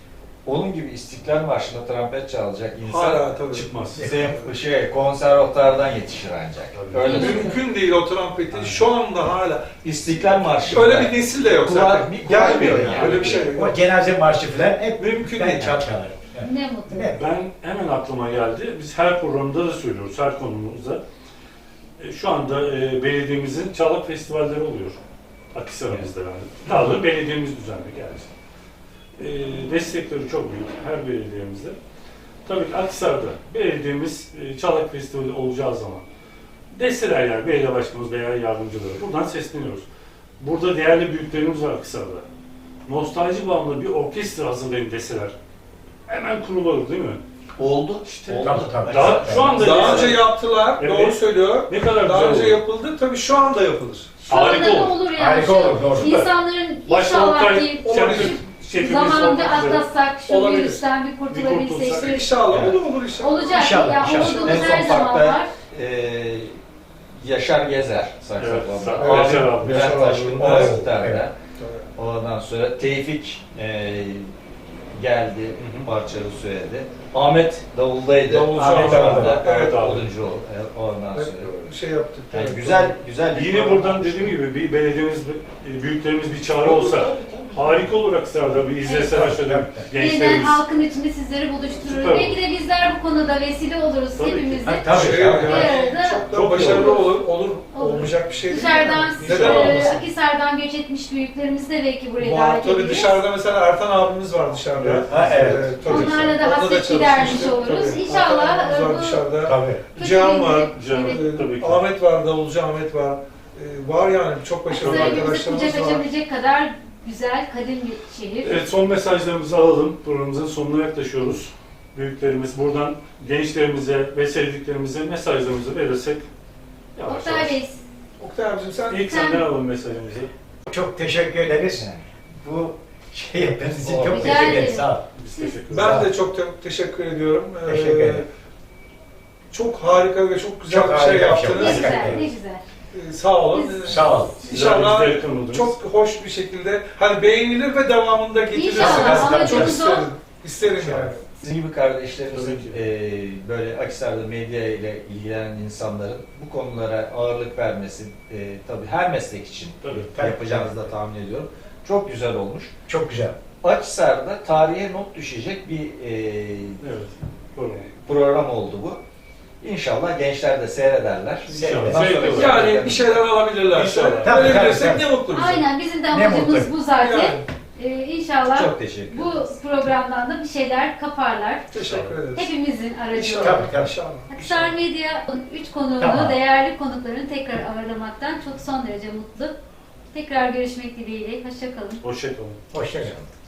Speaker 2: Onun gibi İstiklal Marşı'nda trompet çalacak insan
Speaker 3: Hala tabii.
Speaker 1: Çıkmaz.
Speaker 2: sem- şey, konservatuardan yetişir ancak.
Speaker 1: Tabii.
Speaker 2: Öyle
Speaker 4: Değil mi?
Speaker 2: söyleyeyim.
Speaker 3: Mümkün değil o trompeti. Şu anda hala.
Speaker 2: İstiklal Marşı.
Speaker 3: Öyle bir nesil de yok
Speaker 2: Kulak-
Speaker 3: zaten.
Speaker 2: bir kulak
Speaker 3: Gelmiyor
Speaker 2: verin
Speaker 3: yani.
Speaker 2: yani.
Speaker 3: Öyle bir şey
Speaker 5: O
Speaker 3: yok.
Speaker 5: cenaze marşı falan hep
Speaker 3: Mümkün
Speaker 5: ben
Speaker 3: değil.
Speaker 5: çal çalarım. Yani.
Speaker 4: Ne mutlu.
Speaker 5: Evet.
Speaker 1: Ben hemen aklıma geldi. Biz her programda da söylüyoruz, her konumuzda. E, Şu anda e, belediyemizin Çalak Festivalleri oluyor. Akhisar'ımızda yani. Daha doğrusu belediyemiz düzenli geldi. E, destekleri çok büyük her belediyemizde. Tabii ki Akhisar'da belediyemiz e, Çalak Festivali olacağı zaman desteler yani belediye başkanımız veya yardımcıları. Buradan sesleniyoruz. Burada değerli büyüklerimiz var Akhisar'da. Nostalji bağımlı bir orkestra hazırlayın deseler hemen kurulur değil mi?
Speaker 2: Oldu.
Speaker 1: İşte
Speaker 2: Oldu.
Speaker 5: Tabii, tabii.
Speaker 1: Daha, şu anda
Speaker 3: Daha
Speaker 1: deseler-
Speaker 3: önce yaptılar,
Speaker 1: Evet.
Speaker 3: doğru söylüyor.
Speaker 1: ne kadar
Speaker 3: Daha
Speaker 1: güzel
Speaker 3: önce
Speaker 1: olur.
Speaker 3: yapıldı, tabii şu anda yapılır.
Speaker 4: Şu anda
Speaker 1: Harika
Speaker 4: da
Speaker 1: olur.
Speaker 4: olur yani.
Speaker 5: Harika
Speaker 4: Şu
Speaker 5: olur, doğru.
Speaker 4: İnsanların
Speaker 1: Başta
Speaker 4: İnşallah
Speaker 1: Oktay
Speaker 4: ki
Speaker 1: Şentürk şefimiz
Speaker 4: zamanında
Speaker 1: olmak üzere.
Speaker 4: atlatsak, şu
Speaker 3: Olabilir.
Speaker 4: virüsten bir kurtulabilsek.
Speaker 1: kurtulsak.
Speaker 3: İnşallah
Speaker 2: Evet.
Speaker 3: olur olur inşallah.
Speaker 4: Olacak.
Speaker 5: İnşallah,
Speaker 4: Ya
Speaker 5: inşallah.
Speaker 4: umudumuz
Speaker 2: En
Speaker 4: her
Speaker 2: son
Speaker 4: zaman
Speaker 2: parkta
Speaker 4: var.
Speaker 2: e, Yaşar Gezer
Speaker 1: Evet,
Speaker 2: saksafonda,
Speaker 1: Sa- Yaşar abi.
Speaker 2: Ahmet Bülent
Speaker 3: Yaşar abi.
Speaker 2: Taşkın
Speaker 3: Evet,
Speaker 2: bas
Speaker 3: evet.
Speaker 2: gitarda. Ondan sonra Tevfik e, geldi,
Speaker 1: hı.
Speaker 2: parçalı söyledi. Ahmet davuldaydı.
Speaker 3: Davulcu
Speaker 2: Ahmet
Speaker 3: Ahmet
Speaker 2: abi.
Speaker 3: abi. Evet
Speaker 1: abi.
Speaker 2: Oduncu ol- e, ondan sonra.
Speaker 3: Hep şey yaptık.
Speaker 2: Yani
Speaker 3: evet.
Speaker 2: güzel güzel bir
Speaker 1: Yine
Speaker 2: program
Speaker 1: buradan
Speaker 2: olmuş.
Speaker 1: dediğim gibi bir belediyemiz, büyüklerimiz bir çağrı olsa harika olur Aksaray'da bir izleseler şöyle
Speaker 5: Evet.
Speaker 4: Yeniden
Speaker 1: gençlerimiz.
Speaker 4: halkın içinde sizleri buluşturur.
Speaker 1: Süper
Speaker 4: Belki de bizler bu konuda vesile oluruz
Speaker 1: Tabii ki.
Speaker 4: hepimiz
Speaker 5: Ha,
Speaker 4: de.
Speaker 5: tabii.
Speaker 3: Şey,
Speaker 5: tabii.
Speaker 3: yani,
Speaker 4: Bir arada
Speaker 3: çok da
Speaker 1: Çok
Speaker 3: başarılı
Speaker 1: olur.
Speaker 3: olur, olur,
Speaker 4: Olur.
Speaker 3: olmayacak bir şey değil.
Speaker 4: Dışarıdan,
Speaker 3: yani. Neden
Speaker 4: e,
Speaker 3: olmasın?
Speaker 4: Akhisar'dan göç etmiş büyüklerimiz de belki buraya
Speaker 3: Var,
Speaker 4: davet
Speaker 3: tabii
Speaker 4: ederiz.
Speaker 3: dışarıda mesela Ertan abimiz var dışarıda.
Speaker 1: Evet.
Speaker 5: Ha, evet.
Speaker 3: Ee, tabii.
Speaker 4: Onlarla da
Speaker 3: Onunla
Speaker 4: hasret
Speaker 3: çalışmıştık.
Speaker 4: gidermiş oluruz.
Speaker 3: Tabii.
Speaker 4: İnşallah,
Speaker 3: Ertan abimiz
Speaker 4: e,
Speaker 3: var
Speaker 4: bu-
Speaker 3: dışarıda.
Speaker 5: Tabii.
Speaker 3: Cihan var.
Speaker 1: Can,
Speaker 4: Evet.
Speaker 1: tabii ki.
Speaker 3: Ahmet var, Davulcu Ahmet var. Ee, var yani çok başarılı
Speaker 4: Akhisar'ı bizi
Speaker 3: arkadaşlarımız
Speaker 4: kucak
Speaker 3: var.
Speaker 4: açabilecek kadar güzel, kadim bir şehir.
Speaker 1: Evet, son mesajlarımızı alalım. Programımızın sonuna yaklaşıyoruz. Büyüklerimiz buradan gençlerimize ve sevdiklerimize mesajlarımızı verirsek yavaş
Speaker 4: Oktay
Speaker 1: yavaş.
Speaker 4: Bey,
Speaker 3: Oktay abicim sen
Speaker 1: İlk senden alalım mesajımızı.
Speaker 5: Çok teşekkür ederiz. Bu şey yaptığınız için çok
Speaker 2: Rica
Speaker 5: teşekkür ederiz.
Speaker 4: ederim.
Speaker 5: Sağ ol.
Speaker 1: Biz teşekkür ederiz.
Speaker 3: ben de çok te- teşekkür ediyorum. Ee,
Speaker 5: Teşekkür ederim.
Speaker 3: Çok harika ve çok güzel
Speaker 5: Çok
Speaker 3: bir şey
Speaker 5: harika bir şey
Speaker 3: yaptınız.
Speaker 4: ne
Speaker 5: oldu.
Speaker 4: güzel, ne güzel.
Speaker 3: Ee, sağ olun.
Speaker 4: Biz-
Speaker 3: Ee,
Speaker 5: Sağ ol.
Speaker 3: İnşallah
Speaker 1: Bizler yakın oldunuz.
Speaker 3: çok hoş bir şekilde hani beğenilir ve devamında getirirsiniz.
Speaker 4: İnşallah,
Speaker 3: Çok
Speaker 4: amacımız o.
Speaker 3: isterim. İsterim yani.
Speaker 2: Sizin gibi kardeşlerimizin
Speaker 1: Tabii ki.
Speaker 2: e, böyle Akhisar'da medya ile ilgilenen insanların bu konulara ağırlık vermesi e, tabii her meslek için
Speaker 1: Tabii.
Speaker 5: Tabii.
Speaker 2: yapacağınızı da tahmin ediyorum. Çok güzel olmuş.
Speaker 5: Çok güzel.
Speaker 2: Akhisar'da tarihe not düşecek bir e,
Speaker 1: Evet. Doğru.
Speaker 2: program oldu bu. İnşallah gençler de seyrederler.
Speaker 1: İnşallah.
Speaker 2: Bundan sonra-
Speaker 1: Zevkle
Speaker 3: Yani bir şeyler alabilirler.
Speaker 1: İnşallah.
Speaker 5: Tabii,
Speaker 3: Öyle
Speaker 5: tabii,
Speaker 3: bilirsek
Speaker 5: tabii.
Speaker 3: ne mutlu bize.
Speaker 4: Aynen, bizim de
Speaker 5: Ne
Speaker 4: amacımız
Speaker 5: mutlu.
Speaker 4: bu zaten.
Speaker 3: Yani,
Speaker 4: Ee, inşallah
Speaker 2: Çok teşekkür
Speaker 4: bu
Speaker 2: ederiz.
Speaker 4: programdan da bir şeyler kaparlar.
Speaker 3: teşekkür ederiz.
Speaker 4: Hepimizin aracılığıyla.
Speaker 3: İnşallah.
Speaker 5: Tabii, tabii.
Speaker 3: İnşallah.
Speaker 4: Aksar Medya üç konuğunu,
Speaker 5: Tamam.
Speaker 4: değerli konuklarını tekrar ağırlamaktan çok son derece mutlu. Tekrar görüşmek dileğiyle. Hoşça kalın.
Speaker 1: Hoşçakalın.
Speaker 5: Hoşça kalın.